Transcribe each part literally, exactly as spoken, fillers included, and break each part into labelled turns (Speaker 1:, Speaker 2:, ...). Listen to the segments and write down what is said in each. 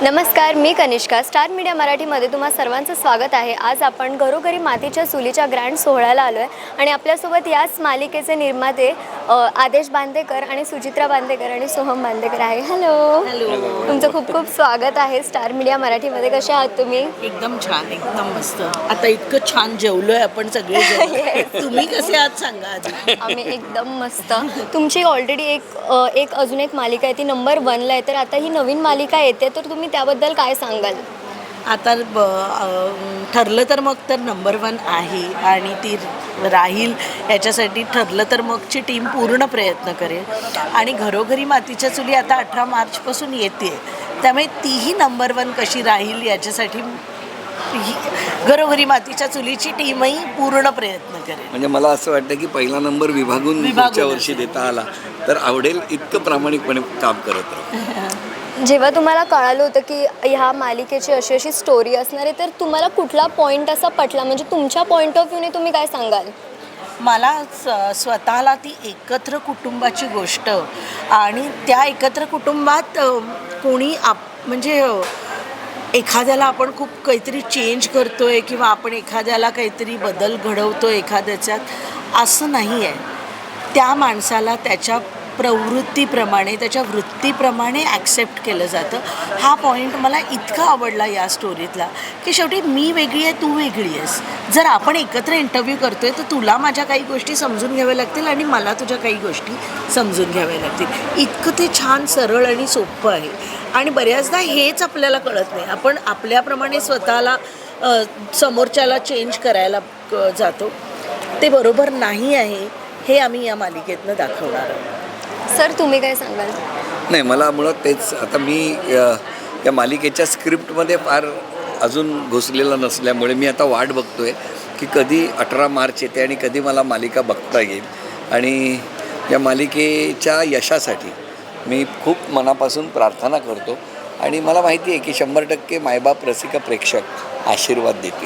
Speaker 1: नमस्कार, मी Kanishka. Star media मराठीमध्ये तुम्हा सर्वांचं स्वागत आहे. आज आपण घरोघरी मातीच्या चुलीच्या ग्रँड सोहळ्याला आलो आहे आणि आपल्यासोबत याच मालिकेचे निर्माते आदेश बांदेकर आणि सुचित्रा बांदेकर आणि सोहम बांदेकर आहे. हॅलो
Speaker 2: हॅलो
Speaker 1: तुमचं खूप खूप स्वागत आहे स्टार मीडिया मराठीमध्ये. कसे आहात तुम्ही?
Speaker 2: एकदम छान, एकदम मस्त. आता इतकं छान जेवलोय आपण सगळे. तुम्ही कसे आहात सांगा आधी.
Speaker 1: आम्ही एकदम मस्त. तुमची ऑलरेडी एक एक अजून एक मालिका आहे, ती नंबर वनला आहे. तर आता ही नवीन मालिका येते, तर तुम्ही त्याबद्दल काय सांगाल?
Speaker 2: आता ब ठरलं तर मग तर नंबर वन आहे आणि ती राहील याच्यासाठी ठरलं तर मगची टीम पूर्ण प्रयत्न करेल. आणि घरोघरी मातीच्या चुली आता अठरा मार्चपासून येते, त्यामुळे तीही नंबर वन कशी राहील याच्यासाठी घरोघरी मातीच्या चुलीची टीमही पूर्ण प्रयत्न करेल.
Speaker 3: म्हणजे मला असं वाटतं की पहिला नंबर विभागून पुढच्या वर्षी देता आला तर आवडेल. इतकं प्रामाणिकपणे काम करत राहू.
Speaker 1: जेव्हा तुम्हाला कळालं होतं की ह्या मालिकेची अशी अशी स्टोरी असणार आहे, तर तुम्हाला कुठला पॉईंट असा पटला? म्हणजे तुमच्या पॉईंट ऑफ व्ह्यूने तुम्ही काय सांगाल?
Speaker 2: मला स स्वतःला ती एकत्र कुटुंबाची गोष्ट आणि त्या एकत्र कुटुंबात कोणी आप म्हणजे एखाद्याला आपण खूप काहीतरी चेंज करतो आहे किंवा आपण एखाद्याला काहीतरी बदल घडवतो एखाद्याच्यात, असं नाही आहे. त्या माणसाला त्याच्या प्रवृत्तीप्रमाणे त्याच्या वृत्तीप्रमाणे ॲक्सेप्ट केलं जातं. हा पॉईंट मला इतका आवडला या स्टोरीतला की शेवटी मी वेगळी आहे, तू वेगळी आहेस. जर आपण एकत्र इंटरव्ह्यू करतो आहे तर तुला माझ्या काही गोष्टी समजून घ्याव्या लागतील आणि मला तुझ्या काही गोष्टी समजून घ्याव्या लागतील. इतकं ते छान सरळ आणि सोपं आहे. आणि बऱ्याचदा हेच आपल्याला कळत नाही. आपण आपल्याप्रमाणे स्वतःला समोरच्याला चेंज करायला जातो. ते बरोबर नाही आहे, हे आम्ही या मालिकेतनं दाखवणार आहोत.
Speaker 1: सर, तुम्ही काय सांगाल?
Speaker 3: नाही, मला मुळात तेच. आता मी या मालिकेच्या स्क्रिप्टमध्ये फार अजून घुसलेला नसल्यामुळे मी आता वाट बघतो आहे की कधी अठरा मार्च येते आणि कधी मला मालिका बघता येईल. आणि या मालिकेच्या यशासाठी मी खूप मनापासून प्रार्थना करतो आणि मला माहिती आहे की शंभर टक्के मायबाप रसिका प्रेक्षक आशीर्वाद देतील.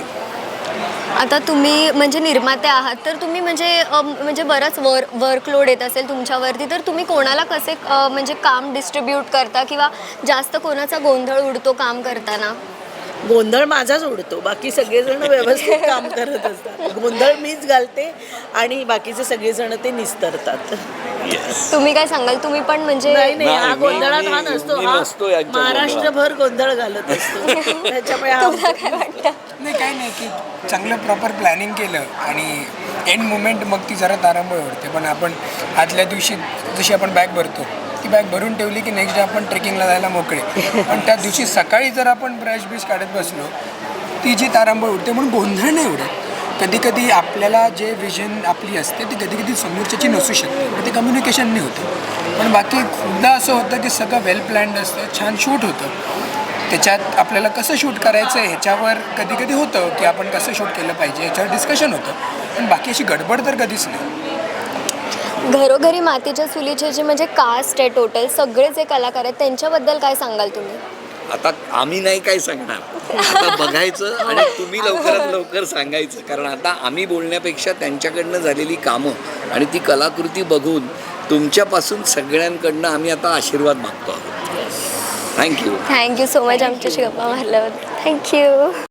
Speaker 1: आता तुम्ही म्हणजे निर्माते आहात, तर तुम्ही म्हणजे म्हणजे बरंच वर वर्कलोड येत असेल तुमच्यावरती, तर तुम्ही कोणाला कसे म्हणजे काम डिस्ट्रीब्यूट करता किंवा जास्त कोणाचा गोंधळ उडतो काम करताना?
Speaker 2: गोंधळ माझाच उडतो, बाकी सगळेजण व्यवस्थित काम करत असतात. गोंधळ मीच घालते आणि बाकीचे सगळेजण ते निस्तरतात.
Speaker 1: तुम्ही काय सांगाल? तुम्ही पण म्हणजे
Speaker 2: नाही नाही, हा गोंधळात हा नसतो. हा महाराष्ट्रभर गोंधळ घालत असतो. त्याच्यामुळे हा
Speaker 1: काय वाटतं?
Speaker 4: नाही, काही नाही की चांगलं प्रॉपर प्लॅनिंग केलं आणि एंड मुमेंट मग ती जरा तारांबळ उडते. पण आपण आदल्या दिवशी जशी आपण बॅग भरतो, ती बॅग भरून ठेवली की नेक्स्ट डे आपण ट्रेकिंगला जायला मोकळे. पण त्या दिवशी सकाळी जर आपण ब्रश बिश काढत बसलो, ती जी तारांबळ उडते. म्हणून गोंधळ नाही उडत. कधी कधी आपल्याला जे विजन आपली असते ती कधी कधी समोरच्याची नसू शकते, मग ते कम्युनिकेशन नाही होतं. पण बाकी खूपदा असं होतं की सगळं वेल प्लॅन्ड असतं, छान शूट होतं. त्याच्यात आपल्याला कसं शूट करायचं आहे ह्याच्यावर कधी कधी होतं की आपण कसं शूट केलं पाहिजे ह्याच्यावर डिस्कशन होतं. पण बाकी अशी गडबड तर कधीच नाही.
Speaker 1: घरोघरी मातीच्या चुलीचे जे म्हणजे कास्ट आहे टोटल सगळे जे कलाकार आहेत त्यांच्याबद्दल काय सांगाल तुम्ही?
Speaker 3: आता आम्ही नाही काय सांगणार, आता बघायचं आणि तुम्ही लवकरात लवकर सांगायचं. कारण आता आम्ही बोलण्यापेक्षा त्यांच्याकडनं झालेली कामं आणि ती कलाकृती बघून तुमच्यापासून सगळ्यांकडनं आम्ही आता आशीर्वाद मागतो आहोत. थँक्यू
Speaker 1: थँक्यू सो मच आमच्याशी गप्पा मारल्याबद्दल. थँक्यू.